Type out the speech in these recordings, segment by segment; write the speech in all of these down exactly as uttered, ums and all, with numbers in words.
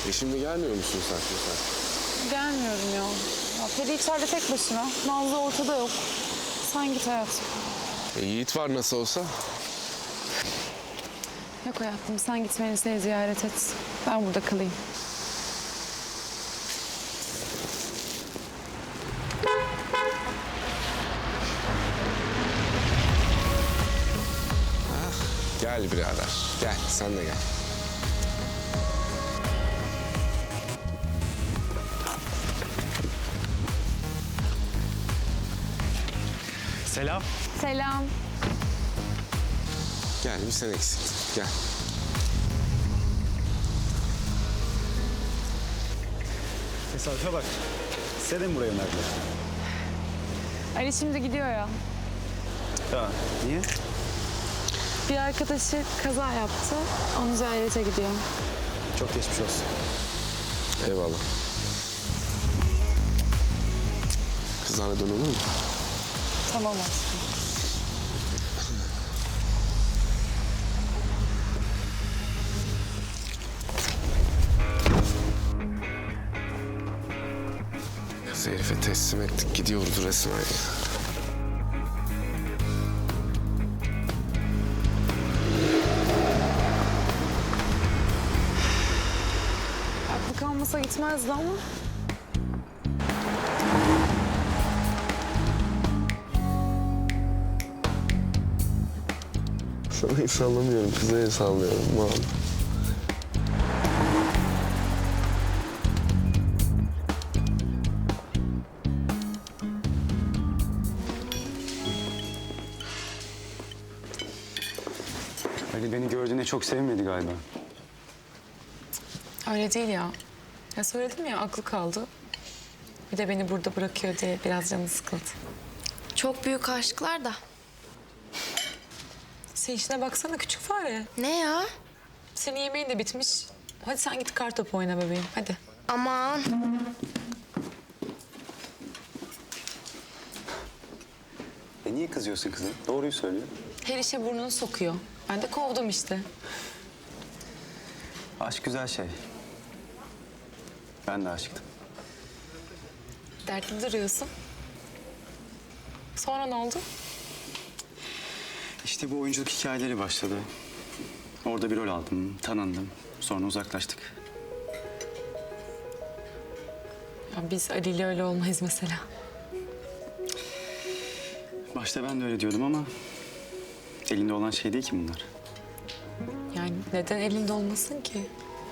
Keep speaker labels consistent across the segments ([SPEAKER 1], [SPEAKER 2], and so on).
[SPEAKER 1] E şimdi gelmiyor musun sen? sen?
[SPEAKER 2] Gelmiyorum ya. Ya Peri içeride tek başına. Nazlı ortada yok. Sen git hayatım.
[SPEAKER 1] E, Yiğit var nasıl olsa.
[SPEAKER 2] Yok hayatım, sen git Melisa'yı ziyaret et. Ben burada kalayım.
[SPEAKER 1] Gel birader. Gel sen de gel.
[SPEAKER 3] Selam.
[SPEAKER 2] Selam.
[SPEAKER 1] Gel bir sen eksiktin. Gel.
[SPEAKER 3] Tesadüfe bak. Size de mi buraya önerdiler?
[SPEAKER 2] Ali şimdi gidiyor ya.
[SPEAKER 3] Ya niye?
[SPEAKER 2] Bir arkadaşı kaza yaptı. Onu ziyarete gidiyor.
[SPEAKER 3] Çok geçmiş olsun.
[SPEAKER 1] Eyvallah. Kızlarla dön olur mu?
[SPEAKER 2] Tamam aşkım.
[SPEAKER 1] Kız herife teslim ettik. Gidiyoruz resmen ya.
[SPEAKER 2] Aklı kalmasa gitmezdi ama.
[SPEAKER 1] Sana hiç sallamıyorum. Kıza el sallıyorum. Vallahi.
[SPEAKER 3] Ali beni gördüğüne çok sevinmedi galiba.
[SPEAKER 4] Öyle değil ya. Ya söyledim ya, aklı kaldı. Bir de beni burada bırakıyor diye biraz canı sıkıldı.
[SPEAKER 5] Çok büyük aşklar da.
[SPEAKER 4] Sen işine baksana küçük fare.
[SPEAKER 5] Ne ya?
[SPEAKER 4] Senin yemeğin de bitmiş. Hadi sen git kartopu oyna bebeğim, hadi.
[SPEAKER 5] Aman.
[SPEAKER 3] E niye kızıyorsun kızım? Doğruyu söylüyor.
[SPEAKER 4] Her işe burnunu sokuyor. Ben de kovdum işte.
[SPEAKER 3] Aşk güzel şey. Ben de aşıktım.
[SPEAKER 4] Dertli duruyorsun. Sonra ne oldu?
[SPEAKER 3] İşte bu oyunculuk hikayeleri başladı. Orada bir rol aldım, tanındım. Sonra uzaklaştık.
[SPEAKER 4] Ya biz Ali ile öyle olmayız mesela.
[SPEAKER 3] Başta ben de öyle diyordum ama... elinde olan şey değil ki bunlar.
[SPEAKER 4] Yani neden elinde olmasın ki?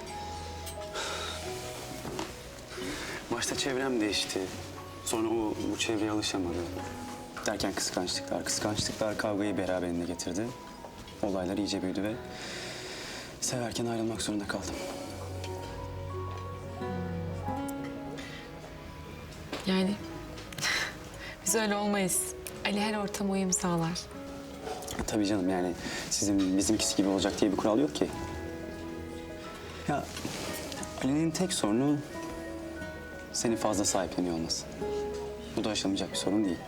[SPEAKER 3] Başta çevrem değişti. Sonra o bu çevreye alışamadı. Derken kıskançlıklar, kıskançlıklar kavgayı beraberinde getirdi. Olaylar iyice büyüdü ve severken ayrılmak zorunda kaldım.
[SPEAKER 4] Yani biz öyle olmayız. Ali her ortama uyum sağlar.
[SPEAKER 3] Tabii canım, yani sizin bizimkisi gibi olacak diye bir kural yok ki. Ya Ali'nin tek sorunu seni fazla sahipleniyor olması. Bu da aşılmayacak bir sorun değil.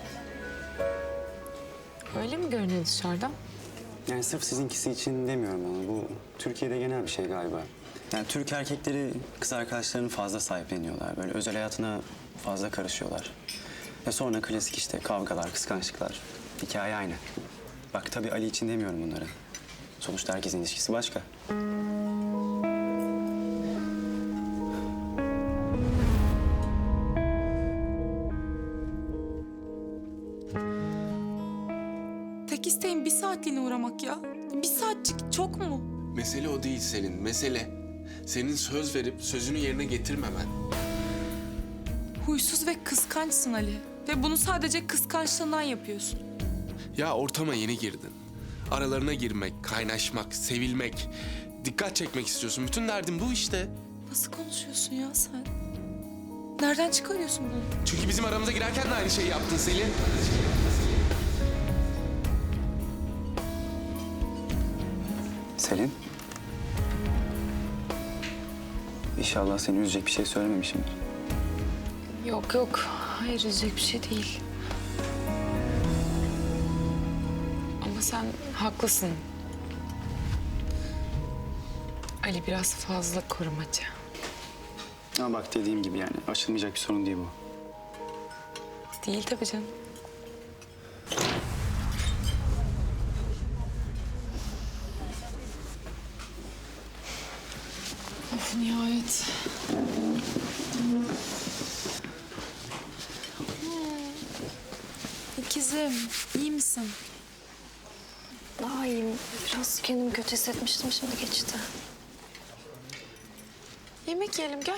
[SPEAKER 4] Öyle mi görünüyor dışarıdan?
[SPEAKER 3] Yani sırf sizinkisi için demiyorum ama bu Türkiye'de genel bir şey galiba. Yani Türk erkekleri kız arkadaşlarını fazla sahipleniyorlar. Böyle özel hayatına fazla karışıyorlar. Ve sonra klasik işte kavgalar, kıskançlıklar. Hikaye aynı. Bak tabii Ali için demiyorum bunları. Sonuçta herkesin ilişkisi başka.
[SPEAKER 6] Tek isteğim bir saatliğine uğramak ya. Bir saatçik çok mu?
[SPEAKER 1] Mesele o değil senin. Mesele senin söz verip sözünü yerine getirmemen.
[SPEAKER 6] Huysuz ve kıskançsın Ali. Ve bunu sadece kıskançlığından yapıyorsun.
[SPEAKER 1] Ya ortama yeni girdin. Aralarına girmek, kaynaşmak, sevilmek, dikkat çekmek istiyorsun. Bütün derdin bu işte.
[SPEAKER 6] Nasıl konuşuyorsun ya sen? Nereden çıkarıyorsun bunu?
[SPEAKER 1] Çünkü bizim aramıza girerken de aynı şeyi yaptın Selin.
[SPEAKER 3] Selin. İnşallah seni üzecek bir şey söylememişimdir.
[SPEAKER 4] Yok yok. Hayır, üzecek bir şey değil. Ama sen haklısın. Ali biraz fazla korumacı.
[SPEAKER 3] Ama bak dediğim gibi yani aşılmayacak bir sorun değil bu.
[SPEAKER 4] Değil tabii canım.
[SPEAKER 6] Of nihayet. İkizim, iyi misin?
[SPEAKER 5] Daha iyiyim. Biraz kendimi kötü hissetmiştim, şimdi geçti.
[SPEAKER 6] Yemek yiyelim gel.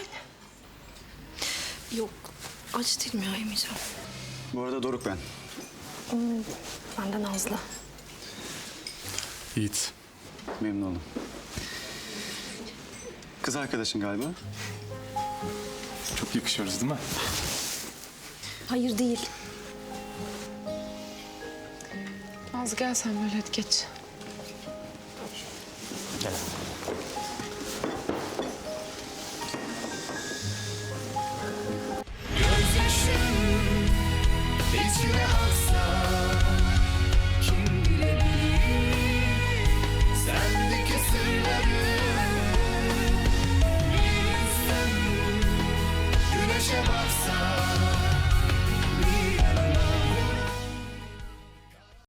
[SPEAKER 5] Yok, aç değilim ya, yemeyeceğim.
[SPEAKER 3] Bu arada Doruk ben.
[SPEAKER 5] Ben de Nazlı.
[SPEAKER 1] Yiğit.
[SPEAKER 3] Memnun oldum. Kız arkadaşın galiba.
[SPEAKER 7] Çok yakışıyoruz değil mi?
[SPEAKER 5] Hayır değil.
[SPEAKER 4] Nazlı gel sen böyle hadi geç.